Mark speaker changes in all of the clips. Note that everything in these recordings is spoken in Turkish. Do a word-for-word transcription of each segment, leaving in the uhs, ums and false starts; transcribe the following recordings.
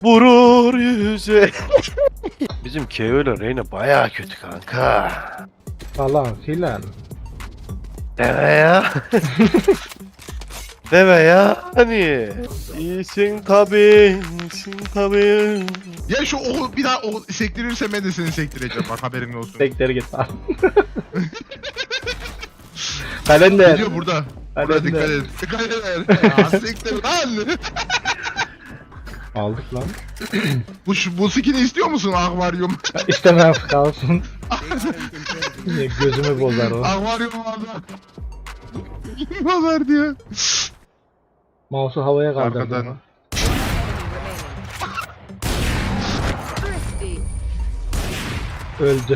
Speaker 1: Vurur yüze. Bizim K O ile Reyna bayağı kötü kanka.
Speaker 2: Falan filan.
Speaker 1: Deme ya. Deme ya. Hani. İyisin tabi. İyisin tabi.
Speaker 3: Ya şu o bir daha o sektirirse ben de seni sektireceğim bak haberin olsun.
Speaker 2: Sektir git lan. Kalender.
Speaker 3: Geliyor burada. Burada dikkat
Speaker 2: Kalender.
Speaker 3: et. Dikkat et. Ya sektir lan.
Speaker 2: Aldık lan.
Speaker 3: Bu, şu- bu skin'i istiyor musun akvaryum?
Speaker 2: İstemem kalsın. Yine gözümü bozar o.
Speaker 3: Akvaryum vardı. Bozar diyor.
Speaker 2: Mouse'u havaya kaldırdı
Speaker 3: Arkadan.
Speaker 2: ama.
Speaker 4: Thrifty.
Speaker 2: Öldü.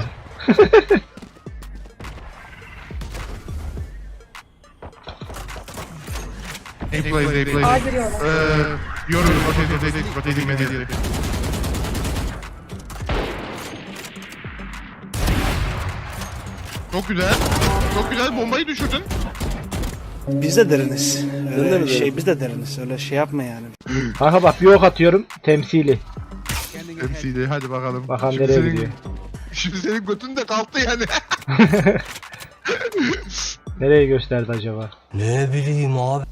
Speaker 3: Hey play, hey play.
Speaker 5: A giriyorlar.
Speaker 3: Eee, yorum, rotate, rotate, rotating media. Çok güzel. Çok güzel bombayı düşürdün.
Speaker 6: Biz de deriniz. Öyle şey biz de deriniz. Öyle şey yapma yani.
Speaker 2: Kanka bak bir ok atıyorum temsili.
Speaker 3: M C'de hadi bakalım.
Speaker 2: Bakalım
Speaker 3: Şimdi
Speaker 2: nereye
Speaker 3: senin-
Speaker 2: gidiyor.
Speaker 3: Şimdi senin götün de kalktı yani.
Speaker 2: Nereye gösterdi acaba?
Speaker 7: Ne bileyim abi.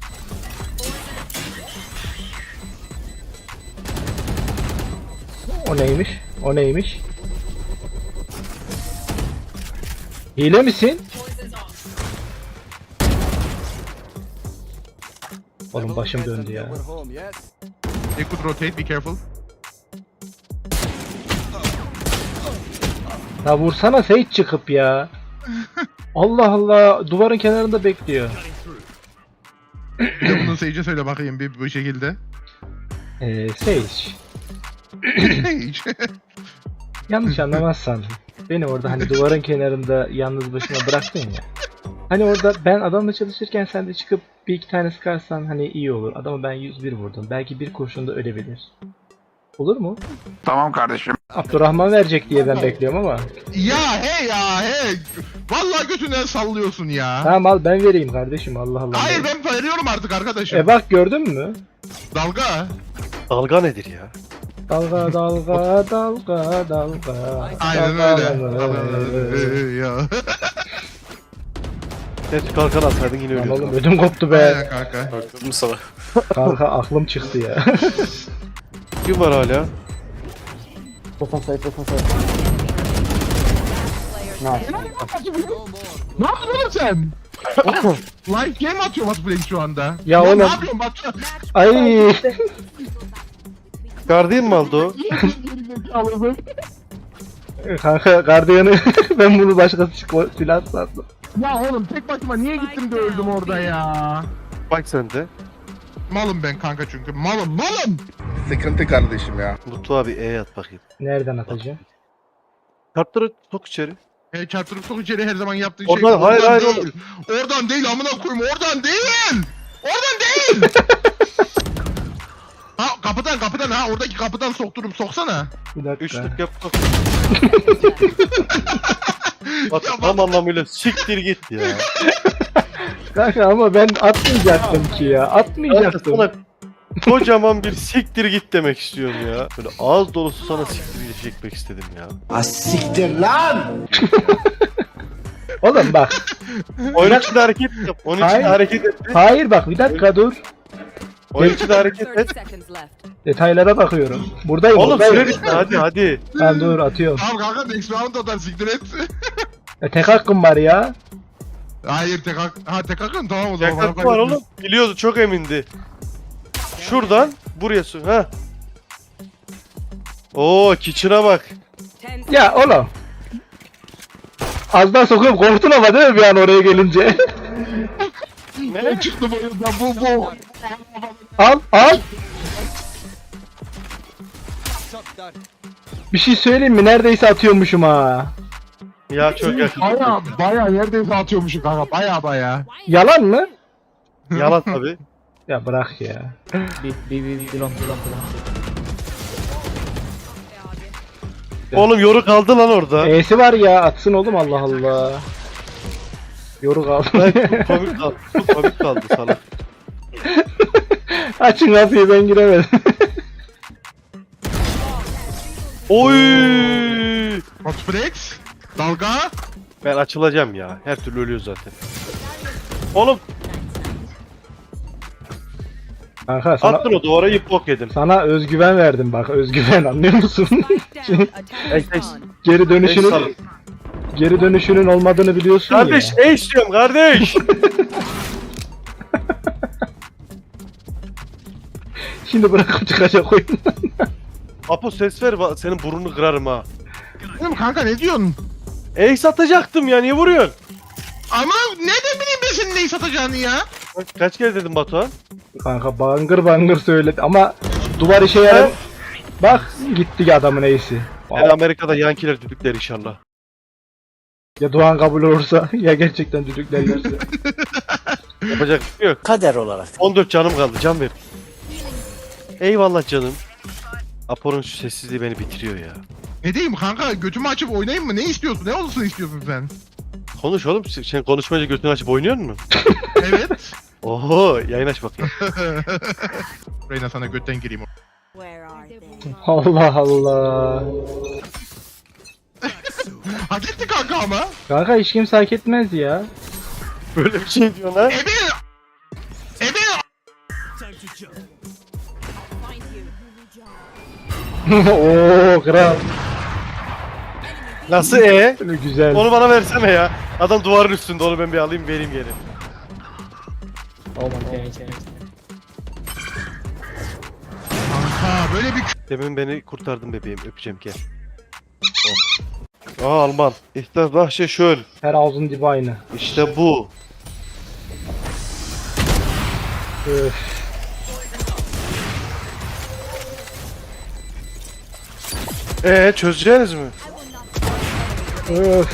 Speaker 2: O neymiş? O neymiş? Hile misin? Oğlum başım döndü ya.
Speaker 3: They could rotate, be careful.
Speaker 2: Ya vursana Sage çıkıp ya. Allah Allah duvarın kenarında bekliyor.
Speaker 3: Bir de bunu Sage'e söyle bakayım bir bu şekilde.
Speaker 2: Eee Sage.
Speaker 3: Sage.
Speaker 2: Yanlış anlamazsan beni orada hani duvarın kenarında yalnız başıma bıraktın ya. Hani orada ben adamla çalışırken sen de çıkıp bir iki tane sıkarsan hani iyi olur. Adamı ben yüz bir vurdum. Belki bir kurşunda ölebilir. Olur mu?
Speaker 3: Tamam kardeşim.
Speaker 2: Abdurrahman verecek diye ben bekliyorum ama.
Speaker 3: Ya hey ya hey. Vallahi götünden sallıyorsun ya.
Speaker 2: Tamam al ben vereyim kardeşim Allah Allah.
Speaker 3: Hayır ben veriyorum artık arkadaşım.
Speaker 2: E bak gördün mü?
Speaker 3: Dalga.
Speaker 1: Dalga nedir ya?
Speaker 2: Dalga dalga dalga dalga.
Speaker 3: Aynen
Speaker 2: dalga.
Speaker 3: öyle. Ya.
Speaker 1: Net kalkan atsaydın yine
Speaker 2: Lan
Speaker 1: ölüyordun.
Speaker 2: oğlum ödüm koptu be.
Speaker 3: Aynen kanka.
Speaker 1: Öldüm sana.
Speaker 2: Kanka aklım çıktı ya.
Speaker 1: Kim var hala?
Speaker 3: Ne yapıyorsun oğlum sen? Oğlum, live game atıyor Batu şu anda.
Speaker 2: Ya
Speaker 3: Lan
Speaker 2: oğlum.
Speaker 3: Ne yapıyorsun Batu?
Speaker 2: Ay.
Speaker 1: Guardian mı aldı o?
Speaker 2: Kanka gardiyanı ben bunu başkası çıkma silah sandım.
Speaker 3: Ya oğlum tek başıma niye gittim de öldüm orada ya?
Speaker 1: Bak sen de.
Speaker 3: Malım ben kanka çünkü malım malım.
Speaker 8: Sıkıntı kardeşim ya.
Speaker 1: Mutlu abi E at bakayım.
Speaker 2: Nereden atacağım?
Speaker 1: Kartları sok içeri.
Speaker 3: E, çarptırıp sok içeri her zaman yaptığın
Speaker 1: Oradan-
Speaker 3: şey.
Speaker 1: hayır, hayır,
Speaker 3: değil. Oradan değil amına koyayım oradan değil. Oradan değil. Ha kapıdan kapıdan ha oradaki kapıdan sokturup soksana.
Speaker 2: Bir dakika.
Speaker 1: Üçlük yap. sok. Bak tam anlamıyla siktir git ya.
Speaker 2: Kanka ama ben atmayacaktım ki ya.
Speaker 1: Kanka
Speaker 2: Atmayacaktım.
Speaker 1: sana kocaman bir siktir git demek istiyorum ya. Böyle ağız dolusu sana siktir çekmek istedim ya.
Speaker 7: Asiktir lan.
Speaker 2: Oğlum bak.
Speaker 1: Onun için de hareket yap. Onun için de
Speaker 2: Hayır.
Speaker 1: hareket et.
Speaker 2: Hayır bak bir dakika dur.
Speaker 1: Onun için de hareket
Speaker 4: thirty
Speaker 1: et.
Speaker 4: seconds left.
Speaker 2: Detaylara bakıyorum. Buradayım.
Speaker 1: Oğlum
Speaker 2: buradayım.
Speaker 1: süre bitti hadi hadi.
Speaker 2: Tamam dur atıyorum.
Speaker 3: Tamam kanka next round atar siktir et.
Speaker 2: E, tek hakkım var ya.
Speaker 3: Hayır tek hak. Ha tek hakkın tamam o zaman.
Speaker 1: Yaklaşık
Speaker 3: Fark
Speaker 1: var
Speaker 3: etmez.
Speaker 1: oğlum. Biliyordu çok emindi. Şuradan buraya su. Ha. Oo kitchen'a bak.
Speaker 4: Ten
Speaker 2: Ya oğlum. Az daha sokup korktun ama değil mi bir an oraya gelince?
Speaker 3: Ne çıktı bu yüzden bu bu.
Speaker 2: Al al. Bir şey söyleyeyim mi? Neredeyse atıyormuşum ha.
Speaker 1: Ya çok yakın.
Speaker 3: Baya baya neredeyse atıyormuşum kanka baya baya.
Speaker 2: Yalan mı?
Speaker 1: Yalan tabi.
Speaker 2: Ya bırak ya.
Speaker 1: Oğlum yoru kaldı lan orada.
Speaker 2: E'si var ya atsın oğlum Allah Allah. Yoru kaldı.
Speaker 1: Çok komik kaldı. Çok komik kaldı sana.
Speaker 2: Açın kapıyı ben giremedim.
Speaker 1: Oy!
Speaker 3: Hotflex. Dalga.
Speaker 1: Ben açılacağım ya. Her türlü ölüyor zaten. Oğlum
Speaker 2: Kanka sana,
Speaker 1: attın o duvara yıp bok yedin.
Speaker 2: sana özgüven verdim bak, özgüven, anlıyor musun?
Speaker 1: Ey, ey,
Speaker 2: geri
Speaker 1: ey,
Speaker 2: dönüşünün
Speaker 1: sal-
Speaker 2: geri dönüşünün olmadığını biliyorsun
Speaker 1: Kardeş
Speaker 2: ya.
Speaker 1: ey istiyorum kardeş.
Speaker 2: Şimdi bırakıp çıkacak oyundan.
Speaker 1: Apo ses ver va- senin burnunu kırarım ha.
Speaker 3: Oğlum kanka ne diyorsun?
Speaker 1: Ey satacaktım ya niye vuruyorsun?
Speaker 3: Ama ne de bileyim ben senin neyi satacağını ya.
Speaker 1: Bak, kaç kere dedim Batuhan?
Speaker 2: Kanka bangır bangır söyledi ama duvar işe yarar. Bak gitti adamın iyisi.
Speaker 1: Yani Amerika'da yankiler düdükler inşallah.
Speaker 2: Ya Doğan kabul olursa ya gerçekten düdüklerlerse.
Speaker 1: Yapacak bir şey yok.
Speaker 6: Kader olarak.
Speaker 1: on dört canım kaldı can ver. Eyvallah canım. Apo'nun şu sessizliği beni bitiriyor ya.
Speaker 3: Ne diyeyim kanka, götümü açıp oynayayım mı? Ne istiyorsun? Ne olsun istiyorsun sen?
Speaker 1: Konuş oğlum sen konuşmayınca götünü açıp oynuyor musun?
Speaker 3: Evet.
Speaker 1: Oho yayın aç bakayım.
Speaker 3: Reyna sana götten gireyim.
Speaker 4: Where are they?
Speaker 2: Allah Allah.
Speaker 3: Hak etti kanka ama.
Speaker 2: Kanka hiç kimse hak etmez ya.
Speaker 1: Böyle bir şey diyorsun ha?
Speaker 3: Ebe! Ebe!
Speaker 2: Oo kral.
Speaker 1: Nasıl e?
Speaker 2: Güzel.
Speaker 1: Onu bana versene ya. Adam duvarın üstünde onu ben bir alayım vereyim geri.
Speaker 3: Kanka böyle bir
Speaker 1: Demin beni kurtardın bebeğim öpeceğim gel. Oh. Aa Alman. İhtar bahçe şöyle.
Speaker 2: Her ağzın dibi aynı.
Speaker 1: İşte bu.
Speaker 2: Öf.
Speaker 1: Ee çözeceğiniz mi?
Speaker 2: Öf.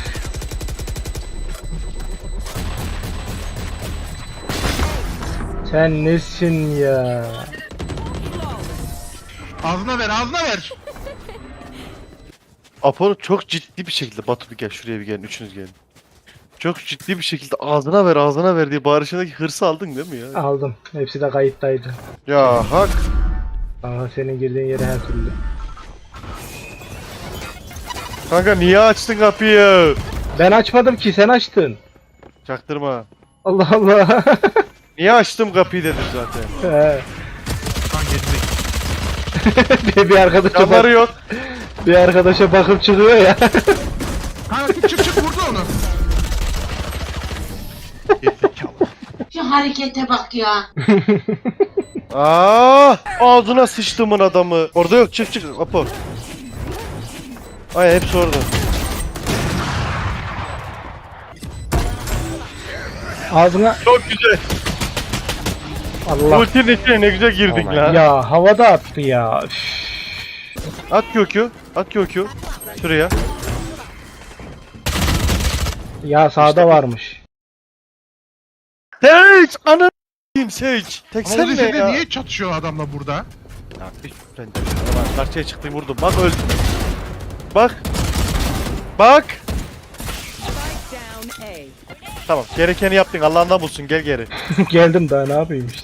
Speaker 2: Sen nesin ya?
Speaker 3: ağzına ver, ağzına ver.
Speaker 1: Apo'nu çok ciddi bir şekilde Batu bir gel şuraya bir gelin üçünüz gelin. Çok ciddi bir şekilde ağzına ver ağzına ver diye bağırışındaki hırsı aldın değil mi ya?
Speaker 2: Aldım. Hepsi de kayıttaydı.
Speaker 1: Ya hak.
Speaker 2: Kanka senin girdiğin yere her türlü.
Speaker 1: Kanka niye açtın kapıyı?
Speaker 2: Ben açmadım ki, sen açtın.
Speaker 1: Çaktırma.
Speaker 2: Allah Allah.
Speaker 1: Niye açtım kapıyı dedim zaten.
Speaker 2: He.
Speaker 3: Lan gezdik.
Speaker 2: bir, bir arkadaşa
Speaker 1: Camları
Speaker 2: bak,
Speaker 1: yok.
Speaker 2: bir arkadaşa bakıp çıkıyor ya.
Speaker 3: Kanka çık çık çık vurdu onu. Gerizekalı.
Speaker 4: Şu harekete bak ya.
Speaker 1: Aa, ağzına sıçtımın adamı. Orada yok çık çık Apo. Ay hepsi orada.
Speaker 2: Ağzına
Speaker 1: Çok güzel.
Speaker 2: Allah.
Speaker 1: Ultinin içine ne güzel girdik lan.
Speaker 2: Ya havada attı ya. Üf.
Speaker 1: At kökü. At kökü. Şuraya.
Speaker 2: Ya sağda varmış.
Speaker 1: Seç! Anı s**eyim Seç! Tek
Speaker 3: Ama
Speaker 1: sen
Speaker 3: o
Speaker 1: ne
Speaker 3: lisede
Speaker 1: ya?
Speaker 3: niye çatışıyor adamla burada?
Speaker 1: Ya hiç ben de Ulan karşıya çıktım vurdum. Bak öldüm. Bak. Bak.
Speaker 4: Down A.
Speaker 1: Tamam gerekeni yaptın Allah'ından bulsun gel geri.
Speaker 2: Geldim daha, ne yapayım işte.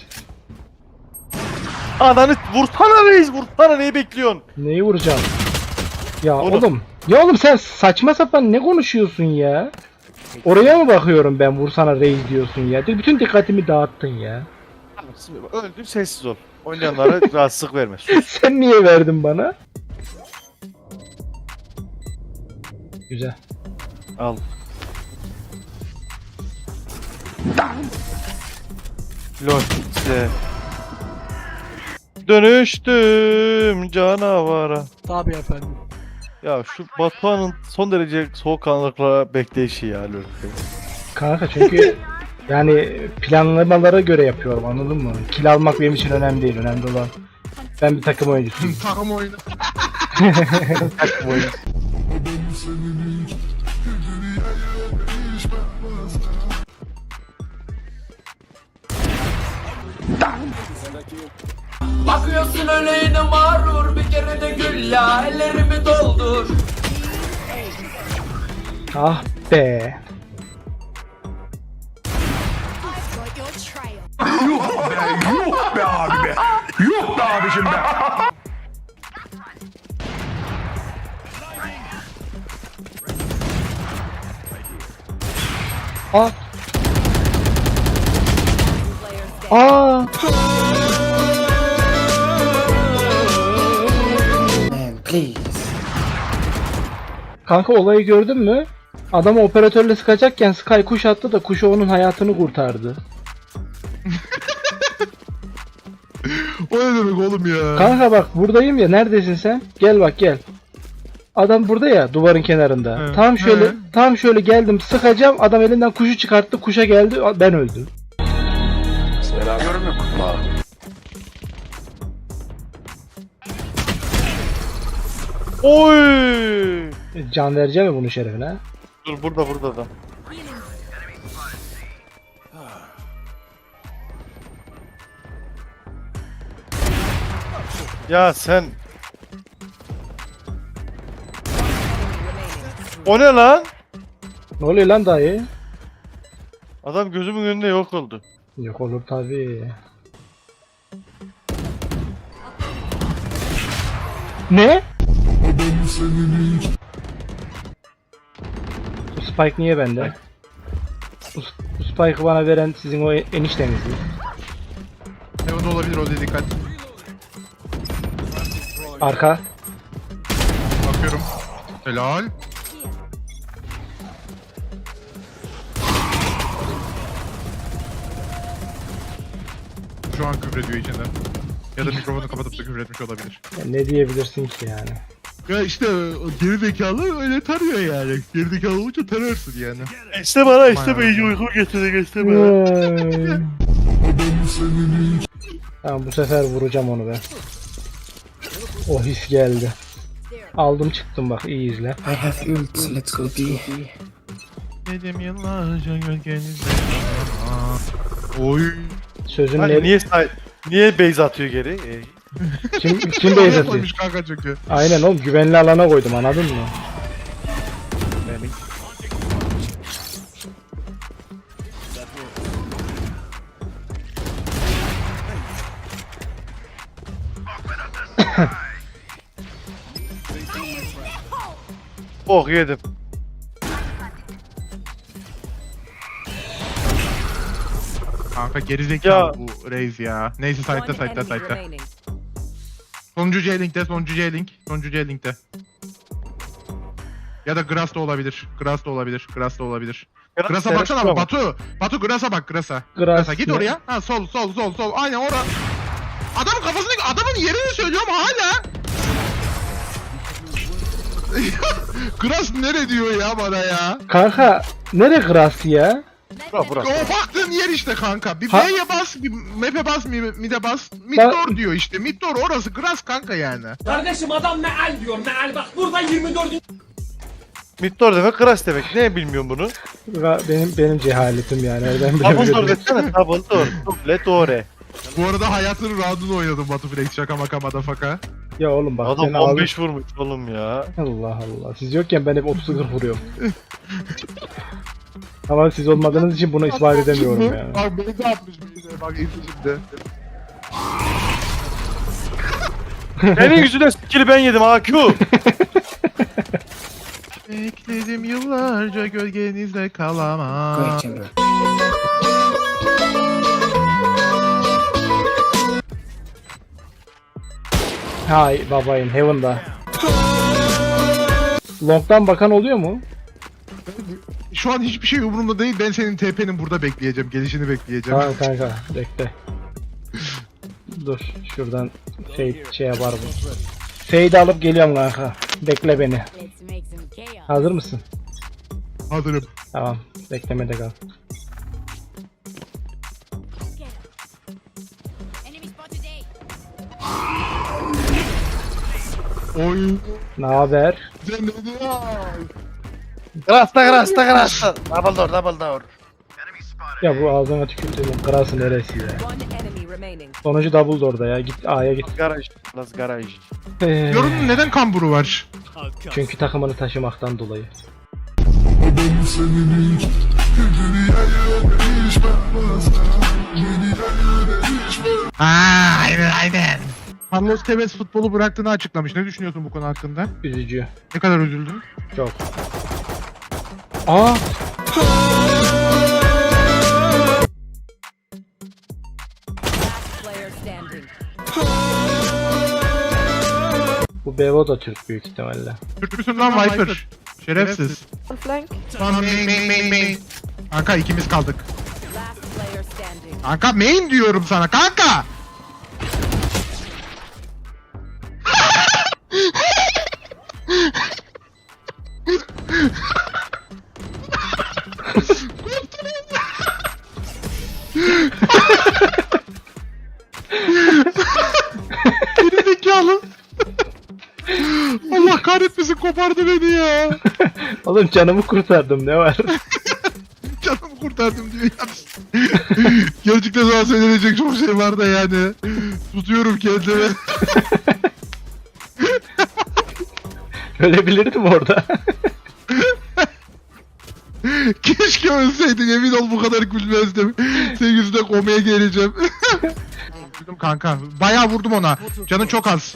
Speaker 1: Ananı vursana reis vursana neyi bekliyorsun?
Speaker 2: Neyi vuracağım? Ya
Speaker 1: Oğlum.
Speaker 2: oğlum. Ya oğlum sen saçma sapan ne konuşuyorsun ya? Oraya mı bakıyorum ben, vursana reis diyorsun ya? Bütün dikkatimi dağıttın ya.
Speaker 1: Öldüm sessiz ol. Oynayanlara rahatsızlık verme. Sus.
Speaker 2: Sen niye verdin bana? Güzel.
Speaker 1: Al. Lol size. Dönüştüm canavara.
Speaker 7: Tabii efendim.
Speaker 1: Ya şu Batuhan'ın son derece soğukkanlılıkla bekleyişi ya lol.
Speaker 2: Kanka çünkü yani planlamalara göre yapıyorum, anladın mı? Kill almak benim için önemli değil. Önemli olan ben bir takım oyuncusuyum.
Speaker 3: Takım oyunu.
Speaker 1: Takım oyunu.
Speaker 5: Bakıyorsun öleğine mağrur, bir kere de gül ya, ellerimi doldur.
Speaker 2: Ah be.
Speaker 7: Yuh be abi be. Yuh be abicim be.
Speaker 2: Aa. Aa. Kanka olayı gördün mü? Adam operatörle sıkacakken Sky kuş attı da kuşu onun hayatını kurtardı.
Speaker 3: O ne demek oğlum ya?
Speaker 2: Kanka bak buradayım ya, neredesin sen? Gel bak gel. Adam burada ya, duvarın kenarında.
Speaker 3: He,
Speaker 2: Tam şöyle
Speaker 3: he.
Speaker 2: tam şöyle geldim sıkacağım, adam elinden kuşu çıkarttı, kuşa geldi, ben öldüm.
Speaker 1: Oy!
Speaker 2: Can vereceğim mi bunun şerefine?
Speaker 1: Dur burada burada da. Ya sen. O ne lan?
Speaker 2: Ne oluyor lan dayı?
Speaker 1: Adam gözümün önünde yok oldu.
Speaker 2: Yok olur tabii. Ne? Bu Spike niye bende? Bu, bu Spike'ı bana veren sizin o enişteniz mi?
Speaker 3: Ne o da olabilir, o da dikkat.
Speaker 2: Arka.
Speaker 3: Bakıyorum. Helal. Şu an küfrediyor içinden. Ya da mikrofonu kapatıp da küfür etmiş olabilir.
Speaker 2: Ya ne diyebilirsin ki yani?
Speaker 3: Ya işte o geri zekalı öyle tarıyor yani. Geri zekalı olunca tararsın yani.
Speaker 1: İşte bana işte
Speaker 3: Aman
Speaker 1: iyice
Speaker 3: Allah'ım.
Speaker 1: uyku getirdi işte bana.
Speaker 2: Vay. Tamam bu sefer vuracağım onu ben. O his geldi. Aldım çıktım bak, iyi izle.
Speaker 9: I have ult, let's go B.
Speaker 3: Dedim yıllarca gölgenizde. Oy.
Speaker 2: Sözün
Speaker 1: Hani
Speaker 2: ne?
Speaker 1: niye say niye base atıyor geri? Ee,
Speaker 2: Kim kim base atıyor?
Speaker 3: Koymuş kanka çünkü.
Speaker 2: Aynen oğlum, güvenli alana koydum, anladın mı?
Speaker 1: benim. Oh yedim.
Speaker 3: Kanka geri zekalı
Speaker 1: Ya.
Speaker 3: bu Reis ya. Neyse site'da site'da site'da. Sonuncu J-Link'te, sonuncu J-Link, sonuncu J-Link'te. Ya da Grass da olabilir. Grass da olabilir. Grass da olabilir. Grass'a baksana abi Batu. Batu Grass'a bak Grass'a. Grass'a git
Speaker 2: ne?
Speaker 3: oraya. Ha sol sol sol sol. Aynen ora. Adamın kafasını adamın yerini söylüyorum hala. Grass nere diyor ya bana ya?
Speaker 2: Kanka nere Grass ya?
Speaker 1: Bura bura.
Speaker 3: O baktığın yer işte kanka. Bir
Speaker 2: Ha-
Speaker 3: B'ye bas, bir map'e bas, mi- mid'e bas. Mid
Speaker 2: Ben-
Speaker 3: door diyor işte. Mid door orası Grass kanka yani.
Speaker 5: Kardeşim adam meal diyor meal bak burada yirmi dört
Speaker 1: Middoor demek Kras demek. Ne bilmiyorum bunu.
Speaker 2: Ra- Benim benim cehaletim yani, nereden
Speaker 1: Double door
Speaker 2: bilebilirim?
Speaker 1: desene. Double door. Double door.
Speaker 3: Bu arada hayatının round'unu oynadım Batu Flex şaka maka madafaka.
Speaker 2: Ya oğlum bak
Speaker 1: Adam
Speaker 2: seni aldım.
Speaker 1: on beş vurmuş oğlum ya.
Speaker 2: Allah Allah. Siz yokken ben hep otuz kırk vuruyorum. Ama siz olmadığınız için bunu ispat edemiyorum yani.
Speaker 3: Bak beni de atmış bir bak izle şimdi.
Speaker 1: Senin yüzünden skill'i ben yedim A Q.
Speaker 3: Bekledim yıllarca gölgenizde
Speaker 9: Go
Speaker 3: kalamam.
Speaker 9: ahead, chamber.
Speaker 2: Hay babayım, Heaven'da. Long'dan bakan oluyor mu?
Speaker 3: Şu an hiçbir şey umurumda değil. Ben senin T P'nin burada bekleyeceğim. Gelişini bekleyeceğim.
Speaker 2: Tamam kanka, bekle. Dur, şuradan fade şey yapar bu. Fade alıp geliyorum kanka. Bekle beni.
Speaker 4: Let's make some chaos.
Speaker 2: Hazır mısın?
Speaker 3: Hazırım.
Speaker 2: Tamam, beklemede kal.
Speaker 4: Enemy spotted A.
Speaker 3: Oy.
Speaker 2: Ne haber?
Speaker 3: Sen ne diyorsun?
Speaker 1: Krasta krasta krasta. Double door double door.
Speaker 2: Ya bu ağzına tükürdüğüm krası neresi ya? Sonucu double door'da ya. Git A'ya git.
Speaker 1: Garaj. Las garaj.
Speaker 2: Ee,
Speaker 3: Yorunun neden kamburu var?
Speaker 2: çünkü takımını taşımaktan dolayı.
Speaker 3: Aa, aynen aynen. Carlos Tevez futbolu bıraktığını açıklamış. Ne düşünüyorsun bu konu hakkında?
Speaker 2: Üzücü.
Speaker 3: Ne kadar üzüldün?
Speaker 2: Çok. Aa! Bu Bevo da Türk büyük ihtimalle.
Speaker 3: Türk müsün lan Viper? Şerefsiz.
Speaker 10: Flank.
Speaker 3: Lan main main main main. Kanka ikimiz kaldık.
Speaker 4: Last player standing.
Speaker 3: Kanka main diyorum sana kanka. Geri zekalı. Allah kahretmesin kopardı beni ya.
Speaker 2: Oğlum canımı kurtardım ne var?
Speaker 3: Canımı kurtardım diyor ya. Gerçekten sana söylenecek çok şey var da yani. Tutuyorum kendimi.
Speaker 2: Ölebilirdim orada.
Speaker 3: Keşke ölseydin, emin ol bu kadar gülmezdim. Senin yüzünden komaya geleceğim. Vurdum kanka. Bayağı vurdum ona. Canın çok az.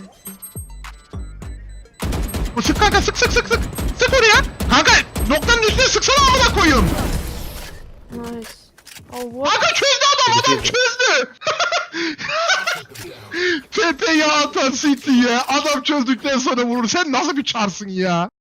Speaker 3: Sık kanka, sık sık sık sık. Sık oraya. Kanka noktanın üstüne sıksana amına koyayım.
Speaker 10: Nice. Oh what?
Speaker 3: Kanka çözdü adam, adam çözdü. T P ya atan City ya. Adam çözdükten sonra vurur. Sen nasıl bir çarsın ya?